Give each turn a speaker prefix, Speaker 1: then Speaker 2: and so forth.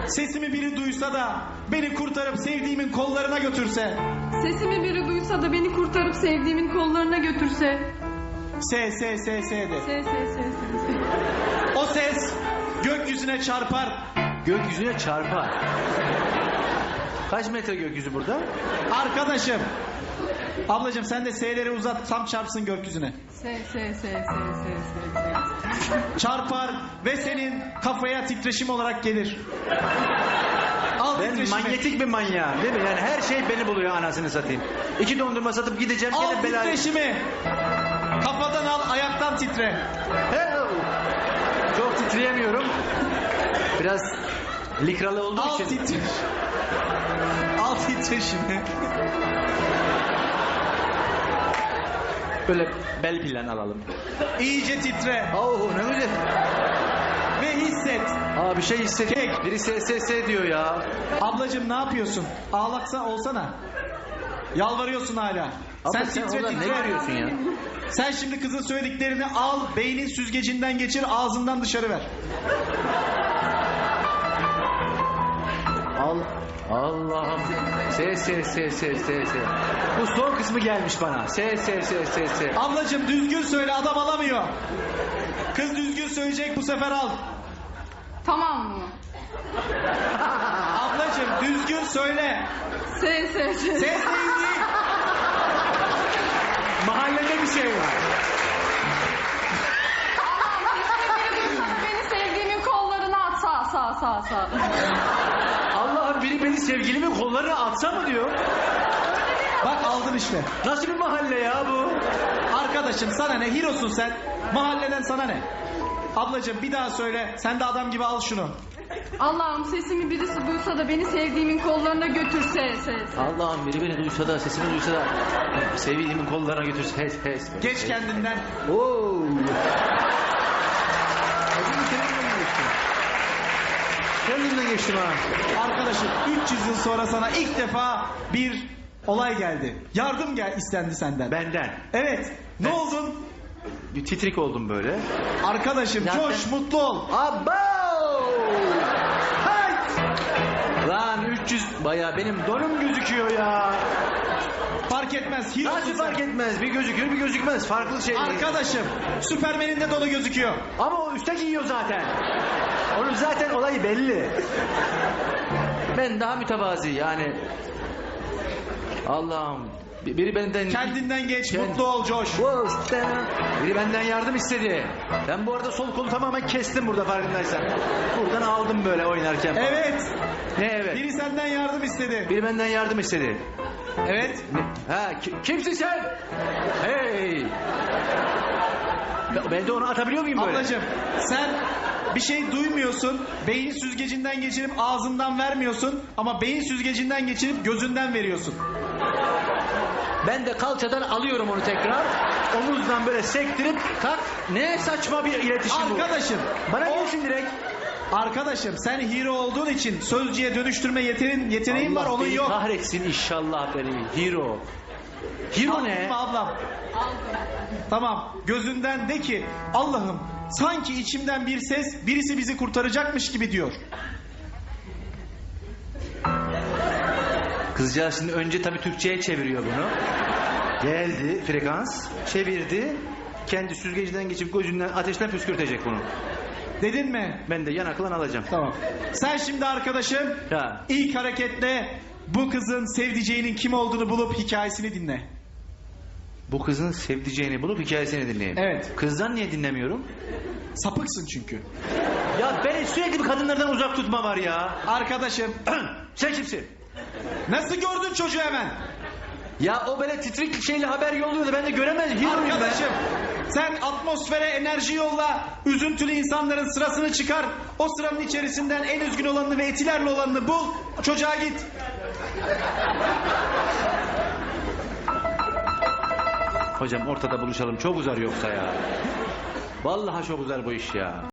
Speaker 1: Sesimi biri duysa da beni kurtarıp sevdiğimin kollarına götürse.
Speaker 2: Sesimi biri duysa da beni kurtarıp sevdiğimin kollarına götürse.
Speaker 1: Se de.
Speaker 2: Se.
Speaker 1: O ses gökyüzüne çarpar.
Speaker 3: Gökyüzüne çarpar. Kaç metre gökyüzü burada?
Speaker 1: Arkadaşım. Ablacığım sen de S'leri uzat, tam çarpsın gökyüzüne.
Speaker 2: Se.
Speaker 1: Çarpar ve senin kafaya titreşim olarak gelir. Al
Speaker 3: Ben
Speaker 1: titreşimi.
Speaker 3: manyetik bir manyağım değil mi? Yani her şey beni buluyor, anasını satayım. 2 dondurma satıp gideceğim.
Speaker 1: Al
Speaker 3: Gene belayı...
Speaker 1: titreşimi. Kafadan al, ayaktan titre.
Speaker 3: Çok titreyemiyorum. Biraz likralı olduğu
Speaker 1: Al
Speaker 3: için.
Speaker 1: titreşimi. Al titreşimi.
Speaker 3: Böyle bel plan alalım.
Speaker 1: İyice titre.
Speaker 3: Oh ne güzel.
Speaker 1: Ve hisset.
Speaker 3: Aa bir şey hissettik. Biri S diyor ya.
Speaker 1: Ablacığım ne yapıyorsun? Ağlaksa olsana. Yalvarıyorsun hala.
Speaker 3: Abla
Speaker 1: Sen
Speaker 3: sen
Speaker 1: titre
Speaker 3: oradan
Speaker 1: titre.
Speaker 3: ne görüyorsun ya?
Speaker 1: Sen şimdi kızın söylediklerini al, beynin süzgecinden geçir, ağzından dışarı ver.
Speaker 3: Allah'ım. S. Bu son kısmı gelmiş bana. S.
Speaker 1: Ablacığım düzgün söyle, adam alamıyor. Kız düzgün söyleyecek, bu sefer al.
Speaker 2: Tamam mı?
Speaker 1: Ablacığım düzgün söyle.
Speaker 2: Se.
Speaker 1: Ses değil.
Speaker 3: Mahallede bir şey var.
Speaker 2: Beni sevdiğimin kollarına at. Sağ.
Speaker 3: Allah'ım biri beni sevgilimin kollarına atsa mı diyor.
Speaker 1: Bak aldın işte.
Speaker 3: Nasıl bir mahalle ya bu?
Speaker 1: Arkadaşım sana ne? Hirosun sen. Mahalleden sana ne? Ablacığım bir daha söyle. Sen de adam gibi al şunu.
Speaker 2: Allah'ım sesimi birisi duysa da beni sevdiğimin kollarına götürse.
Speaker 3: Allah'ım biri beni duysa da, sesimi duysa da sevdiğimin kollarına götürse.
Speaker 1: Geç kendinden.
Speaker 3: Oo. Kendimden geçtim ha.
Speaker 1: Arkadaşım 300 yıl sonra sana ilk defa bir olay geldi. Yardım istendi senden.
Speaker 3: Benden.
Speaker 1: Evet. Ne
Speaker 3: Evet.
Speaker 1: oldun?
Speaker 3: Bir titrik oldum böyle.
Speaker 1: Arkadaşım
Speaker 3: Zaten-
Speaker 1: coş, mutlu ol.
Speaker 3: Abo! Hayt! Lan 300 baya benim donum gözüküyor ya.
Speaker 1: Fark etmez. Hirosun
Speaker 3: Nasıl
Speaker 1: sen.
Speaker 3: fark etmez? Bir gözükür bir gözükmez. Farklı şey.
Speaker 1: Arkadaşım Süpermen'in de donu gözüküyor.
Speaker 3: Ama o üstte giyiyor zaten. Onun zaten olayı belli. Ben daha mütevazi yani. Allah'ım. Biri benden...
Speaker 1: Kendinden geç, mutlu ol, coş.
Speaker 3: Biri benden yardım istedi. Ben bu arada sol kolu tamamen kestim burada farkındaysan. Buradan aldım böyle oynarken falan.
Speaker 1: Evet.
Speaker 3: Ne evet?
Speaker 1: Biri senden yardım istedi.
Speaker 3: Biri benden yardım istedi.
Speaker 1: Evet.
Speaker 3: Ha kimsin sen? Hey. Ben de onu atabiliyor muyum böyle?
Speaker 1: Ablacığım sen bir şey duymuyorsun. Beyin süzgecinden geçirip ağzından vermiyorsun. Ama beyin süzgecinden geçirip gözünden veriyorsun.
Speaker 3: Ben de kalçadan alıyorum onu tekrar. Omuzdan böyle sektirip tak. Ne saçma bir iletişim bu.
Speaker 1: Arkadaşım.
Speaker 3: Bana
Speaker 1: o-
Speaker 3: gelsin direkt.
Speaker 1: Arkadaşım sen hero olduğun için sözcüğe dönüştürme yeteneğin var, onun
Speaker 3: beni
Speaker 1: yok.
Speaker 3: kahretsin inşallah beni. Hero. Hero
Speaker 1: Aldın
Speaker 3: ne?
Speaker 1: mı ablam? Tamam. Gözünden de ki Allah'ım sanki içimden bir ses birisi bizi kurtaracakmış gibi diyor.
Speaker 3: Kızcağız şimdi önce tabii Türkçe'ye çeviriyor bunu. Geldi frekans. Çevirdi. Kendi süzgeciden geçip gözünden ateşten püskürtecek bunu.
Speaker 1: Dedin mi?
Speaker 3: Ben de yanaklan alacağım.
Speaker 1: Tamam. Sen şimdi arkadaşım
Speaker 3: Ya.
Speaker 1: ilk hareketle bu kızın sevdiceğinin kim olduğunu bulup hikayesini dinle.
Speaker 3: Bu kızın sevdiceğini bulup hikayesini dinleyeyim.
Speaker 1: Evet.
Speaker 3: Kızdan niye dinlemiyorum?
Speaker 1: Sapıksın çünkü.
Speaker 3: Ya beni sürekli bir kadınlardan uzak tutma var ya.
Speaker 1: Arkadaşım
Speaker 3: Sen kimsin?
Speaker 1: nasıl gördün çocuğu hemen?
Speaker 3: Ya o böyle titrik şeyle haber yolluyordu. Ben de göremez.
Speaker 1: Arkadaşım sen atmosfere enerji yolla, üzüntülü insanların sırasını çıkar, o sıranın içerisinden en üzgün olanını ve etilerle olanını bul, çocuğa git.
Speaker 3: Hocam ortada buluşalım. Çok uzar yoksa ya. Vallahi çok uzar bu iş ya.